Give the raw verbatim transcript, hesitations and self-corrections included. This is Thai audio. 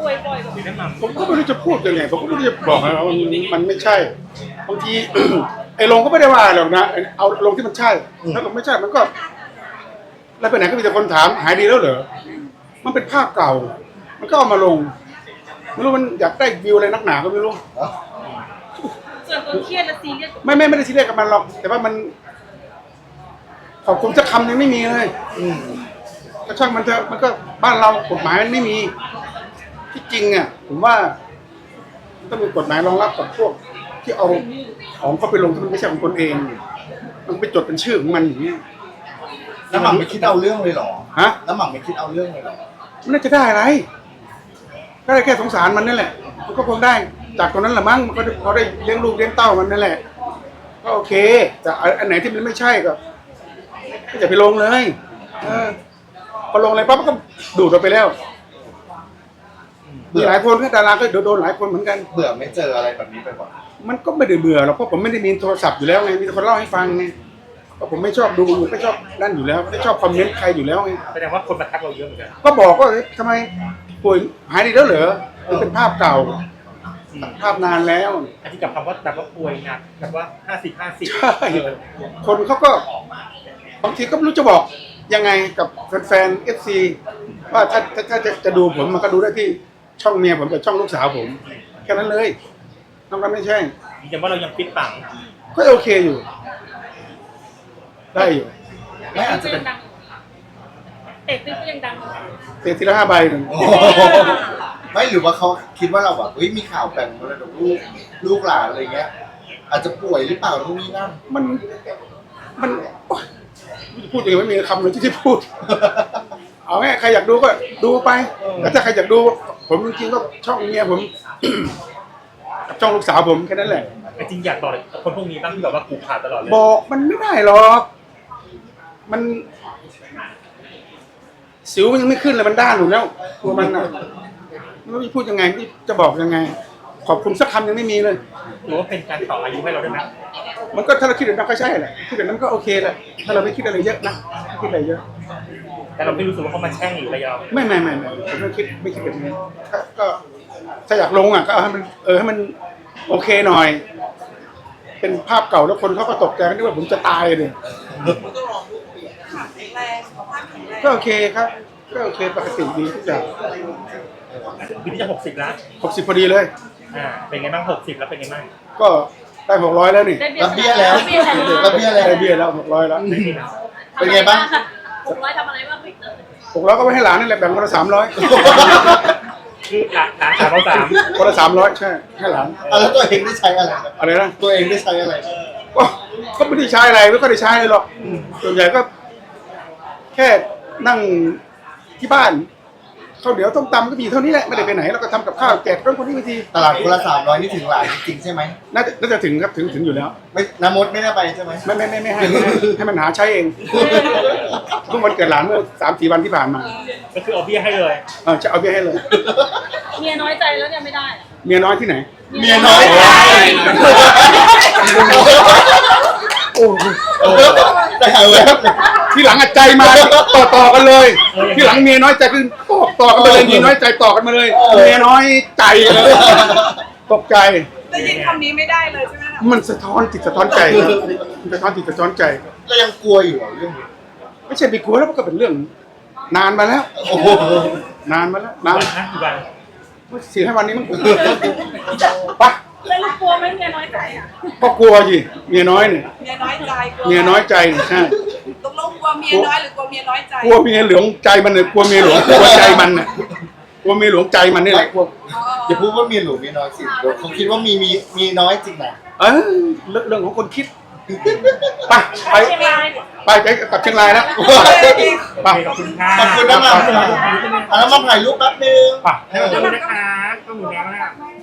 ป่วยบ่อยแบบนี้ผมก็ไม่รู้จะพูดยังไงผมก็ไม่รู้จะบอกนะว่ามันไม่ใช่บางที ไอ้ลงก็ไม่ได้ว่าหรอกนะเอาลงที่มันใช่ถ้าลงไม่ใช่มันก็แล้วไปไหนก็มีแต่คนถามหายดีแล้วเหรอมันเป็นภาพเก่า มันก็เอามาลงไม่รู้มันอยากได้วิวอะไรนักหนาก็ไม่รู้ส่วนตัวเครียดและซีเรียสไม่ไม่ไม่ได้ซีเรียสกับมันหรอกแต่ว่ามันขอบคุณสักคำยังไม่มีเลยก็ช่างมันเถอะมันก็บ้านเรากฎหมายมันไม่มีที่จริงอ่ะผมว่าต้องมีกฎหมายรองรับกับพวกที่เอาของเขาไปลงที่มันไม่ใช่ของตนเองมันไปจดเป็นชื่อของมันอย่างเงี้ยน้ำหมักไม่คิดเอาเรื่องเลยเหรอฮะน้ำหมักไม่คิดเอาเรื่องเลยเหรอมันน่าจะได้อะไรก็ได้แค่สงสารมันนั่นแหละมันก็คงได้จากตรงนั้นแหละมั้งมันก็เขาได้เลี้ยงลูกเลี้ยงเต้ามันนั่นแหละก็โอเคแต่อันไหนที่มันไม่ใช่ก็ก็อย่าไปลงเลยเออพอลงอะไรปั๊บมันก็ดูดออกไปแล้วมีหลายคนก็ดาราก็โดนหลายคนเหมือนกันเบื่อไม่เจออะไรแบบนี้ไปก่อนมันก็ไม่ได้เบื่อหรอกเพราะผมไม่ได้มีโทรศัพท์อยู่แล้วไงมีแต่คนเล่าให้ฟังไงเพราะผมไม่ชอบดูไม่ชอบนั่นอยู่แล้วไม่ชอบคอมเมนต์ใครอยู่แล้วไงแสดงว่าคนมาทักเราเยอะเหมือนกันก็บอกว่าเอ๊ะทำไมป่วยหายดีแล้วเหรอมันเป็นภาพเก่าภาพนานแล้วอันที่กับคำว่าแบบว่าป่วยหนักแบบว่าห้าสิบห้าสิบใช่คนเขาก็บางทีก็ไม่รู้จะบอกยังไงกับแฟนๆเอฟซีว่าถ้าถ้าถ้าจะจะดูผมมันก็ดูได้ที่ช่องเมียผมกับช่องลูกสาวผมแค่นั้นเลยนอกนั้นไม่ใช่ยืนยันว่าเรายังฟิตปังก็โอเคอยู่ ได้อยู่ไม่อาจจะก็เป็ยันงดังเตะตึ้งก็ยังดังเตะทีละห้าใบหนึ่งโอ้โหไม่หรือว่าเขาคิดว่าเราแบบเฮ้ยมีข่าวแบ่งมรดกลูกลูกหลานอะไรเงี้ย อาจจะป่วยหรือเปล่าทุกนี้นั่นมันมันโอ๊ยพูดอย่างไม่มีคำเลยที่จะพูด เอาไงใครอยากดูก็ดูไปแล้วถ้าใครอยากดู ผมจริงๆก็ช่องเมียผม กับช่องลูกสาวผมแค่นั้นแหละแต่จริงอยากบอกเลยคนพวกนี้บ้างที่แบบว่ากูขาดตลอดเลยบอกมันไม่ได้หรอก มัน สิวมันยังไม่ขึ้นเลยมันด้านอยู่แล้วตัวมันอ่ะไม่รู้จะพูดยังไงที่จะบอกยังไง ขอบคุณสักคำยังไม่มีเลยหรือว่าเป็นการต่ออายุให้เราด้วยนะมันก็ถ้าเราคิดแบบนั้นก็ใช่แหละคิดแบบนั้นก็โอเคแหละถ้าเราไม่คิดอะไรเยอะนะไม่คิดอะไรเยอะแต่เราไม่รู้สึกว่าเขามาแช่งหรืออะไรเราไม่ไม่ไม่ไม่ผมไม่คิดไม่คิดแบบนี้ถ้าก็ถ้าอยากลงอ่ะก็เอาให้มันเออให้มันโอเคหน่อย เป็นภาพเก่าแล้วคนเขาก็ตกใจกันที่ว่าผมจะตายเลยก็โอเคครับก็โอเคปกติดีทุกอย่างปีนี้จะหกสิบแล้วหกสิบพอดีเลยอ่าเป็นไงบ้างหกสิบแล้วเป็นไงบ้างก็ได้หกร้อยแล้วนี่ได้รับเบี้ยแล้วเบี้ยแล้วรับเบี้ยแล้วได้เบี้ยแล้วหกร้อยแล้วเป็นไงบ้างหกร้อยทำอะไรบ้างพี่เต๋อหกร้อยก็ไปให้หลานนี่แหละแบ่งคนละสามร้อยคือหลานหลานสาวเราสามคนละสามร้อยใช่ให้หลานอ่ะแล้วตัวเองได้ใช้อะไรอะไรนะตัวเองได้ใช้อะไรก็ก็ไม่ได้ใช้อะไรไม่ค่อยได้ใช้อะไรหรอกส่วนใหญ่ก็ แค่นั่งที่บ้านข้าวเหนียวต้มตำก็มีเท่านี้แหละไม่ได้ไปไหนแล้วก็ทำกับข้าวแจกคนคนนี้บางทีตลาดคนละสามร้อยนี่ถึงหลานจริงๆใช่ไหมน่าจะน่าจะถึงครับถึงถึงอยู่แล้วไม่น้ำมดไม่ได้ไปใช่ไหมไม่ไม่ไม่ไม่ให้ไม่ให้ให้มันหาใช้เองเพิ่งวันเกิดหลานเมื่อสามสี่วันที่ผ่านมาก็คือเอาเบี้ยให้เลยเออจะเอาเบี้ยให้เลยเมียน้อยใจแล้วเนี่ยไม่ได้อะเมียน้อยที่ไหนเมียน้อยใจโอ้โหเออใจหายแวบเลยที่หลังอัดใจมาต่อต่อกันเลย ที่หลังเมียน้อยใจคือต่อต่อกันไปเลยเมียน้อยใจต่อกันมาเลยเมียน้อยใจเลยตกใจได้ยินคำนี้ไม่ได้เลยใช่ไหมคะมันสะท้อนจิตสะท้อนใจครับมันสะท้อนจิตสะท้อนใจเรายังกลัวอยู่เหรอเรื่องนี้ไม่ใช่ไปกลัวแล้วมันก็เป็นเรื่อง นานมาแล้วโอ้โหนานมาแล้วนานวันนะกี่วันสี่ห้าวันนี้มันปะแล้วเรากลัวไหมเมียน้อยใจอ่ะก็กลัวสิเมียน้อยเนี่ยเมียน้อยใจกลัวเมียน้อยใจเนี่ยใช่ตกลงกลัวเมียน้อยหรือกลัวเมียน้อยใจกลัวเมียหลวงใจมันเนี่ยกลัวเมียหลวงกลัวใจมันน่ะกลัวเมียหลวงใจมันนี่แหละกลัวอย่าพูดว่าเมียหลวงเมียน้อยสิเดี๋ยวเขาคิดว่ามีมีมีน้อยจริงนะเออเรื่องเรื่องของคนคิดไปไปเชียงรายไปไปกลับเชียงรายแล้วไปขอบคุณค่ะขอบคุณนะมาอ่ะแล้วมาถ่ายรูปแป๊บนึงไปให้มาดูนะคะก็หมูแล้วนะครับ